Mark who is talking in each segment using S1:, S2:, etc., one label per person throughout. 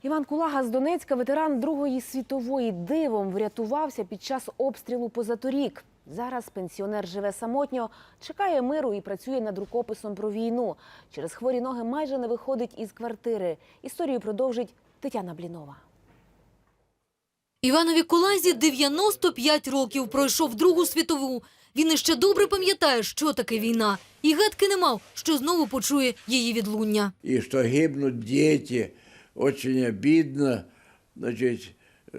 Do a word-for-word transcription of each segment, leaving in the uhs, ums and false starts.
S1: Іван Кулага з Донецька, ветеран Другої світової, дивом врятувався під час обстрілу позаторік. Зараз пенсіонер живе самотньо, чекає миру і працює над рукописом про війну. Через хворі ноги майже не виходить із квартири. Історію продовжить Тетяна Блінова.
S2: Іванові Кулазі дев'яносто п'ять років, пройшов Другу світову. Він іще добре пам'ятає, що таке війна. І гадки не мав, що знову почує її відлуння.
S3: І що гибнуть діти, дуже обідно. Значить,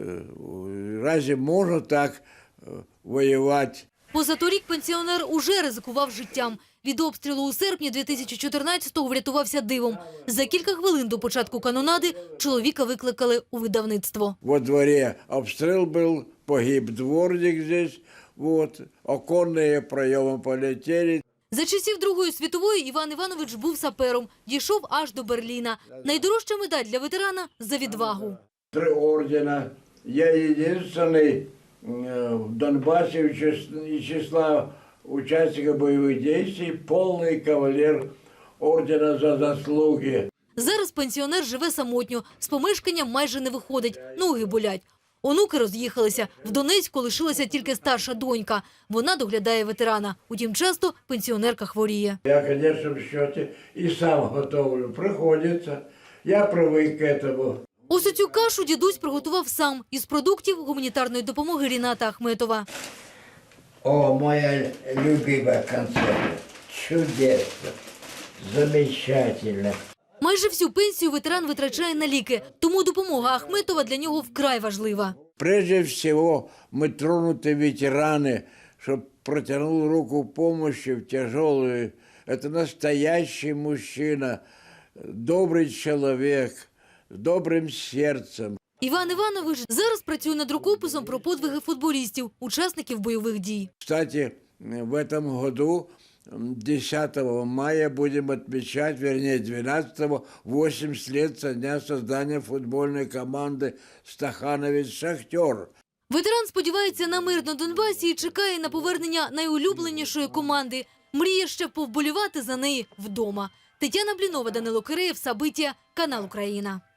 S3: разве можна так воювати?
S2: Позаторік пенсіонер уже ризикував життям. Від обстрілу у серпні дві тисячі чотирнадцятого врятувався дивом. За кілька хвилин до початку канонади чоловіка викликали у видавництво.
S3: Во дворі обстріл був, погиб дворник здесь, вот, оконні пройоми полетіли.
S2: За часів Другої світової Іван Іванович був сапером, дійшов аж до Берліна. Найдорожча медаль для ветерана – за відвагу.
S3: Три ордена. Я єдиний в Донбасі із числа учасників бойових дій, повний кавалер ордена за заслуги.
S2: Зараз пенсіонер живе самотньо, з помешкання майже не виходить, ноги болять. Онуки роз'їхалися. В Донецьку лишилася тільки старша донька. Вона доглядає ветерана. Утім, часто пенсіонерка хворіє.
S3: Я, звісно, в счеті і сам готовлю. Приходиться. Я привик к цьому.
S2: Ось цю кашу дідусь приготував сам із продуктів гуманітарної допомоги Ріната Ахметова.
S3: О, моя любима концерта. Чудесно. Замечательно.
S2: Майже всю пенсію ветеран витрачає на ліки, тому допомога Ахметова для нього вкрай важлива.
S3: Прежде всего, мы тронуты ветераны, чтобы протянул руку помощи в тяжелую. Это настоящий мужчина, добрый человек, с добрым сердцем.
S2: Іван Іванович зараз працює над рукописом про подвиги футболістів, учасників бойових дій.
S3: Кстати, в этом году десятого мая будем отмечать, вернее двенадцатого, восемьдесят лет со дня создания футбольной команды «Стахановець-Шахтер».
S2: Ветеран сподівається на мир на Донбасі і чекає на повернення найулюбленішої команди. Мріє ще повболівати за неї вдома. Тетяна Блінова, Данило Киреєв, Сабиття, канал Україна.